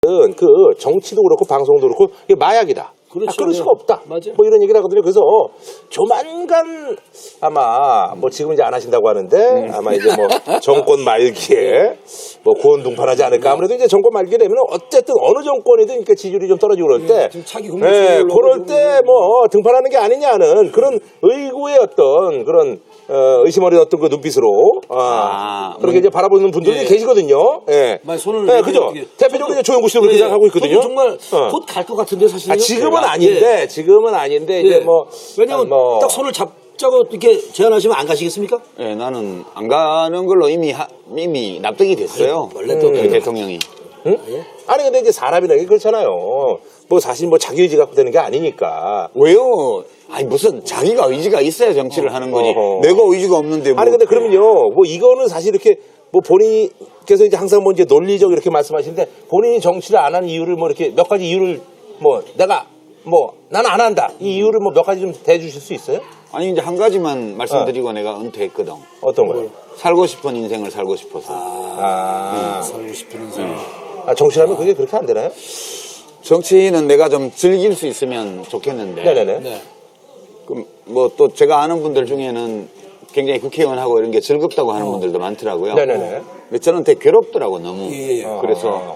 그 정치도 그렇고 방송도 그렇고 이게 마약이다. 그렇죠. 그럴 수가 없다. 맞아요. 뭐 이런 얘기를 하거든요. 그래서 조만간 아마 뭐 지금 이제 안 하신다고 하는데 아마 이제 뭐 정권 말기에 뭐 고온둥판하지 않을까. 아무래도 이제 정권 말기에 되면 어쨌든 어느 정권이든 이렇게 지지율이 좀 떨어지고 그럴 때, 지금 차기 국민의힘 네, 올라오고 그럴 때 뭐 등판하는 게 아니냐는 그런 의구의 어떤 그런 의심 어린 어떤 그 눈빛으로 그렇게 이제 바라보는 분들이 예. 계시거든요. 예. 손을 네, 그죠. 대표적으로 이제 조영구 씨도 그렇게 생각하고 있거든요. 저도 정말 곧 갈 것 같은데 사실. 지금은 아닌데, 지금은 아닌데, 이제 뭐. 왜냐면 딱 손을 잡자고 이렇게 제안하시면 안 가시겠습니까? 예, 나는 안 가는 걸로 이미 납득이 됐어요. 원래 또 우리 대통령이. 응? 아니, 근데 이제 사람이라는 게 그렇잖아요. 뭐 사실 뭐 자기 의지 갖고 되는 게 아니니까. 왜요? 아니 무슨 자기가 의지가 있어야 정치를 하는 거지. 내가 의지가 없는데 뭐. 아니, 근데 그러면요, 뭐 이거는 사실 이렇게 뭐 본인께서 이제 항상 뭐 이제 논리적 이렇게 말씀하시는데 본인이 정치를 안 한 이유를 뭐 이렇게 몇 가지 이유를 뭐 내가 뭐 나는 안 한다. 이 이유를 뭐 몇 가지 좀 대주실 수 있어요? 아니 이제 한 가지만 말씀드리고 내가 은퇴했거든. 어떤 거요? 살고 싶은 인생을 살고 싶어서. 살고 싶은 인생. 정치라면 그게 그렇게 안 되나요? 정치는 내가 좀 즐길 수 있으면 좋겠는데. 네네네. 네. 뭐 또 제가 아는 분들 중에는 굉장히 국회의원하고 이런 게 즐겁다고 하는 분들도 많더라고요. 네네네. 근데 저는 되게 괴롭더라고 너무. 예. 그래서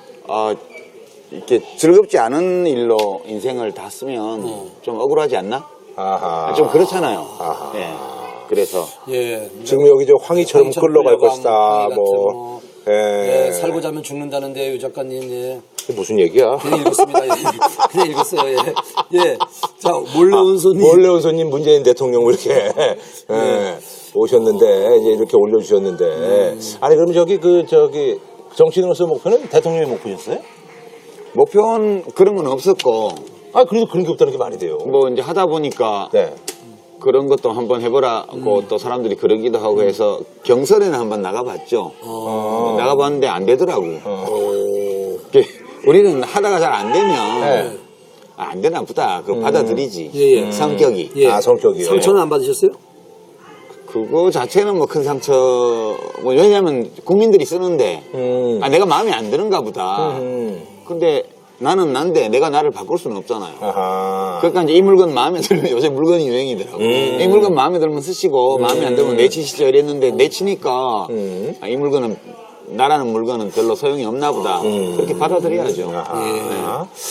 이렇게 즐겁지 않은 일로 인생을 다 쓰면 좀 억울하지 않나? 아하. 좀 그렇잖아요. 예. 그래서 예. 지금 여기 저 황희처럼 황희처럼 끌러갈 끌려가고 것이다. 황희 뭐. 같은 예. 살고자 하면 죽는다는데 유 작가님. 예. 이게 무슨 얘기야? 그냥 읽었습니다. 예. 그냥 읽었어요. 예. 예. 자, 몰래 온 손님. 몰래 온 손님 문재인 대통령 이렇게 예, 오셨는데 이제 이렇게 올려주셨는데 아니 그럼 저기 정치인으로서 목표는 대통령의 목표였어요? 목표는 그런 건 없었고 아 그래도 그런 게 없다는 게 말이 돼요. 뭐 이제 하다 보니까 네. 그런 것도 한번 해보라고 또 사람들이 그러기도 하고 해서 경선에는 한번 나가봤죠. 나가봤는데 안 되더라고. 우리는 하다가 잘 안 되면 네. 안 되나 보다. 그거 받아들이지. 예. 성격이. 예. 아 성격이요. 상처는 안 받으셨어요? 그거 자체는 뭐 큰 상처. 뭐 왜냐면 국민들이 쓰는데 내가 마음에 안 드는가 보다. 근데 나는 난데 내가 나를 바꿀 수는 없잖아요. 아하. 그러니까 이제 이 물건 마음에 들면 요새 물건이 유행이더라고. 이 물건 마음에 들면 쓰시고 마음에 안 들면 내치시죠 이랬는데 내치니까 이 물건은 나라는 물건은 별로 소용이 없나 보다. 그렇게 받아들여야죠. 아하.